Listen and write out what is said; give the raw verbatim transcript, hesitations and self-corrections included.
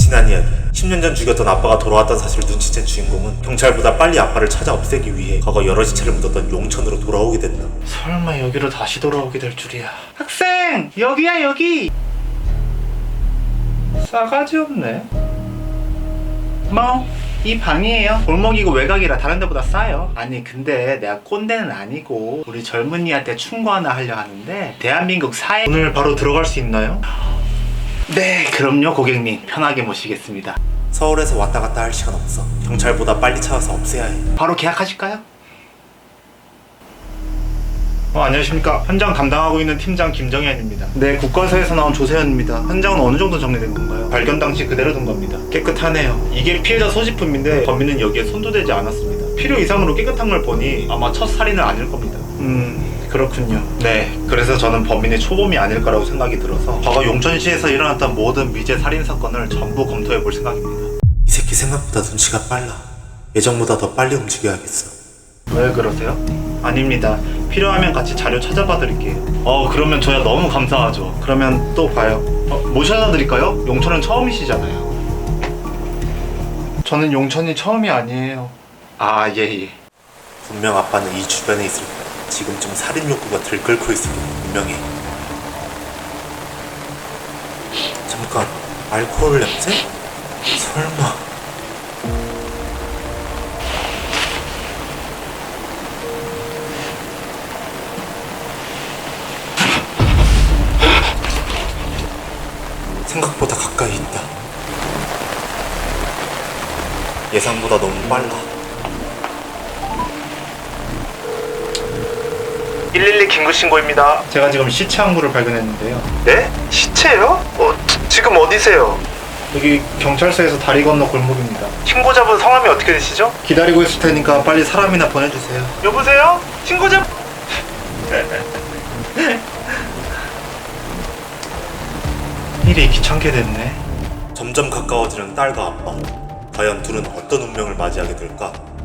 지난 이야기. 십 년 전 죽였던 아빠가 돌아왔던 사실을 눈치챈 주인공은 경찰보다 빨리 아빠를 찾아 없애기 위해 과거 여러 시체를 묻었던 용천으로 돌아오게 된다. 설마 여기로 다시 돌아오게 될 줄이야. 학생! 여기야 여기! 싸가지 없네. 뭐, 이 방이에요. 골목이고 외곽이라 다른 데보다 싸요. 아니 근데 내가 꼰대는 아니고 우리 젊은이한테 충고 하나 하려 하는데 대한민국 사회... 오늘 바로 들어갈 수 있나요? 네, 그럼요 고객님. 편하게 모시겠습니다. 서울에서 왔다 갔다 할 시간 없어. 경찰보다 빨리 찾아서 없애야 해. 바로 계약하실까요? 어, 안녕하십니까. 현장 담당하고 있는 팀장 김정현입니다. 네, 국과서에서 나온 조세현입니다. 현장은 어느 정도 정리된 건가요? 발견 당시 그대로 둔 겁니다. 깨끗하네요. 이게 피해자 소지품인데 범인은 여기에 손도 대지 않았습니다. 필요 이상으로 깨끗한 걸 보니 아마 첫 살인은 아닐 겁니다. 음... 그렇군요. 네, 그래서 저는 범인이 초범이 아닐 거라고 생각이 들어서 과거 용천시에서 일어났던 모든 미제 살인 사건을 전부 검토해 볼 생각입니다. 이 새끼 생각보다 눈치가 빨라. 예정보다 더 빨리 움직여야겠어. 왜 그러세요? 아닙니다. 필요하면 같이 자료 찾아봐 드릴게요. 어, 그러면 저야 너무 감사하죠. 그러면 또 봐요. 어, 모셔다 드릴까요? 용천은 처음이시잖아요. 저는 용천이 처음이 아니에요. 아, 예, 예. 분명 아빠는 이 주변에 있을 거야. 지금쯤 살인 욕구가 들끓고 있을 게 분명해. 잠깐, 알코올 냄새? 설마. 생각보다 가까이 있다. 예상보다 너무 빨라. 일일이 긴급신고입니다. 제가 지금 시체 한 구를 발견했는데요. 네? 시체요? 어, 지, 지금 어디세요? 여기 경찰서에서 다리 건너 골목입니다. 신고자분 성함이 어떻게 되시죠? 기다리고 있을 테니까 빨리 사람이나 보내주세요. 여보세요? 신고자... 일이 귀찮게 됐네. 점점 가까워지는 딸과 아빠. 과연 둘은 어떤 운명을 맞이하게 될까?